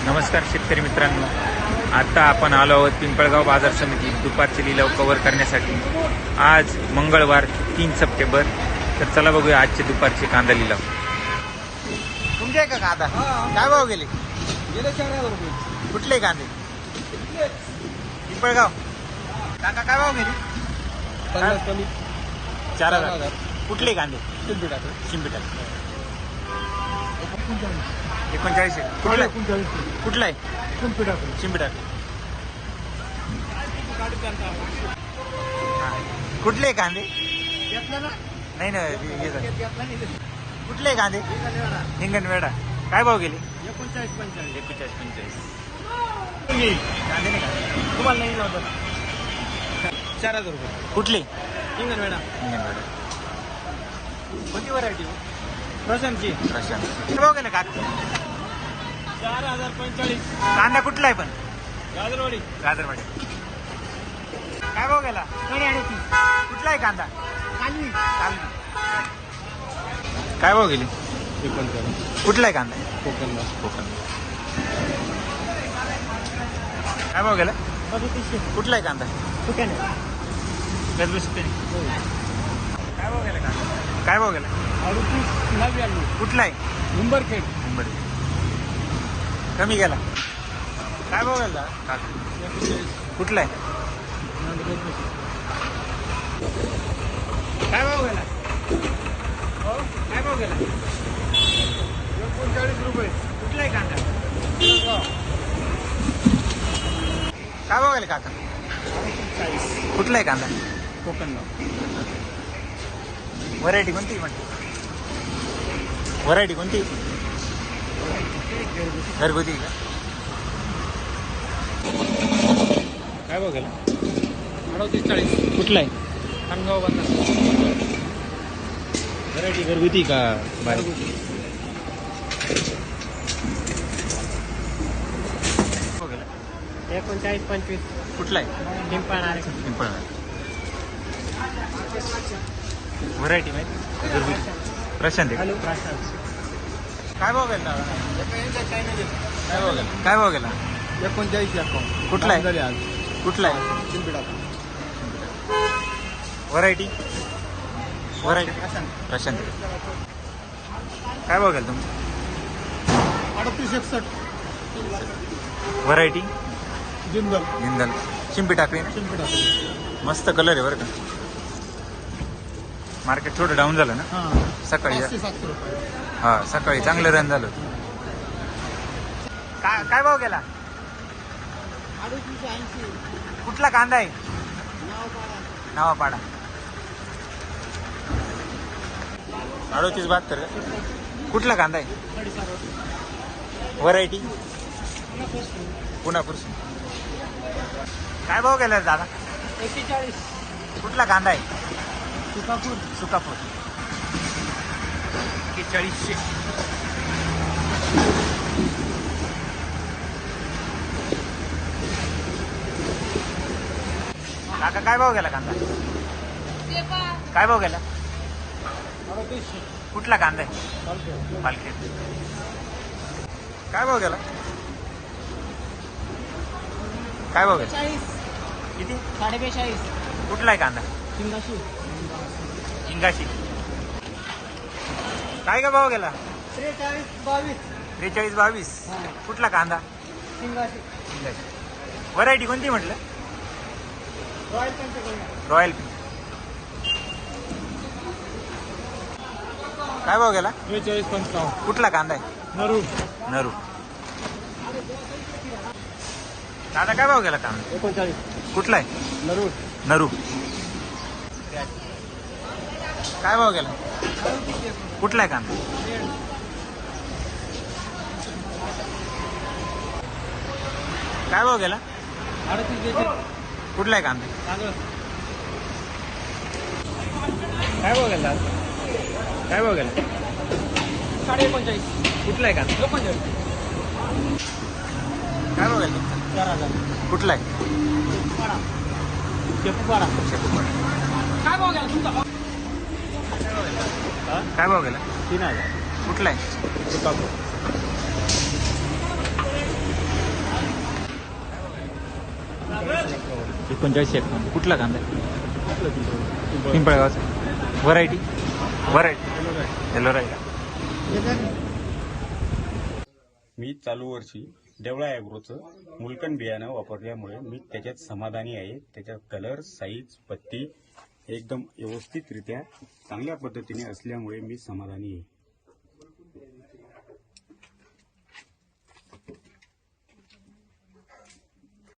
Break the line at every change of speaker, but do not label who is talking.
नमस्कार शेतकरी मित्रांनो, आता आपण आलो आहोत पिंपळगाव बाजार समिती दुपारचे लिलाव कव्हर करण्यासाठी। आज मंगळवार 3 सप्टेंबर। तर चला बघूया आजचे दुपारचे कांदा लिलाव।
तुमचे आहे का कांदा? काय भाव गेले?
गेले 4,000 रुपये।
कुठले कांदे? पिंपळगाव काका काय भाव गेले?
50 कमी
4,000। कुठले कांदे?
शिल्पिटा
शिंपिटा 39 आहे। कुठला आहे?
39
कुठला आहे?
शिल्पिटा
शिंपिटा कुठले कांदे? नाही ना हे झालं. कुठले कांदे? हिंगणवेडा काय भाव गेले?
39 45
41 45
कांदे नाही का तुम्हाला नाही लावतो 4,000 रुपये
कुठले?
हिंगणवेडा
हिंगणवेडा
कोणती व्हरायटी प्रशांतची
प्रशांत किती भाव गेले काका?
4,045
कांदा कुठला आहे पण?
गाजरवाडी
गाजरवाडी काय भाव गेला? कुठला आहे कांदा? कालवी काय भाव गेली?
39
कुठला आहे कांदा?
कोकणला
कोकण काय भाव गेला?
35
कुठला आहे कांदा?
कुठे
गजबज काय भाव गेला कांदा? काय भाव गेला?
38 99
कुठला आहे?
उंबरखेड
मुंबई कमी गेला काय भाव गेला? कुठला आहे? काय भाव गेला? काय भाव गेला?
39 रुपये
कुठला आहे कांदा? काय भाव गेला काका? कुठला आहे कांदा?
कोकणला
व्हरायटी कोणती म्हणते? व्हरायटी कोणती? घरगुती का? काय भाव गेला?
38 40
कुठला आहे?
खानगाव बाजार
व्हरायटी घरगुती का बाहेर? भाव गेला?
39 25
कुठला आहे?
पिंपळणारे
पिंपळ व्हरायटी माहिती? घरगुती प्रशांत आहे का? काय भाव गेला दादा? काय भाव गेला? काय भाव गेला?
39 अकाउंट
कुठला आहे?
झाले आज
कुठला आहे?
शिल्पिटा
व्हरायटी व्हरायटी प्रशांत काय भाव गेला तुमचं?
38 61
व्हरायटी
जिंदल
जिंदल शिंपी टाकली ना?
शिल्पिटा
मस्त कलर आहे बरं का. मार्केट थोडं डाऊन झालं ना
हां
सकाळी?
500 रुपये
हा सकाळी चांगलं रन झालं. काय भाव गेला?
38 80
कुठला कांदा आहे? नावापाडा 38 72 का? कुठला कांदा आहे? व्हरायटी पुण्यापूर. काय भाव गेला दादा?
41
कुठला कांदा आहे?
सुकापूर
सुकापूर 4100. काका काय भाव गेला कांदा? काय भाव गेला?
38
कुठला कांदा आहे? पालखी काय भाव गेला? काय भाव गेला?
40
किती?
42
कुठला आहे कांदा?
सिंगाशी
इंगाशी काय का भाव गेला?
43 22
43 22. कुठला कांदा?
सिंगाशी
इंगाशी व्हरायटी कोणती म्हटलं?
Royal Panchkanya
royal. काय भाव गेला?
43 55
कुठला कांदा आहे?
नरू
नरू. दादा काय भाव गेला कांदा?
39
कुठला आहे?
नरू
नरू. काय भाव गेला? कुठला आहे कांदा? काय भाव गेला?
38
कुठला आहे कांदा?
तांदूळ
काय भाव गेला? काय भाव गेला?
39
कुठला आहे कांदा?
39
काय भाव गेला तुमचा?
4000
कुठला आहे?
शेपूपाडा
शेपूपाडा.
काय भाव गेला तुमचा?
काय भाव गेला?
3000
कुठला आहे?
सुकापूर
39 कुठला कांदा आहे? पिंपळगावचा. Variety yellow right.
मी चालू वर्षी देवळा ॲग्रोचं मुलकण बियाणं वापरल्यामुळे मी त्याच्यात समाधानी आहे. त्याच्यात कलर, साईज, पत्ती एकदम व्यवस्थितरित्या चांगल्या पद्धतीने असल्यामुळे मी समाधानी आहे.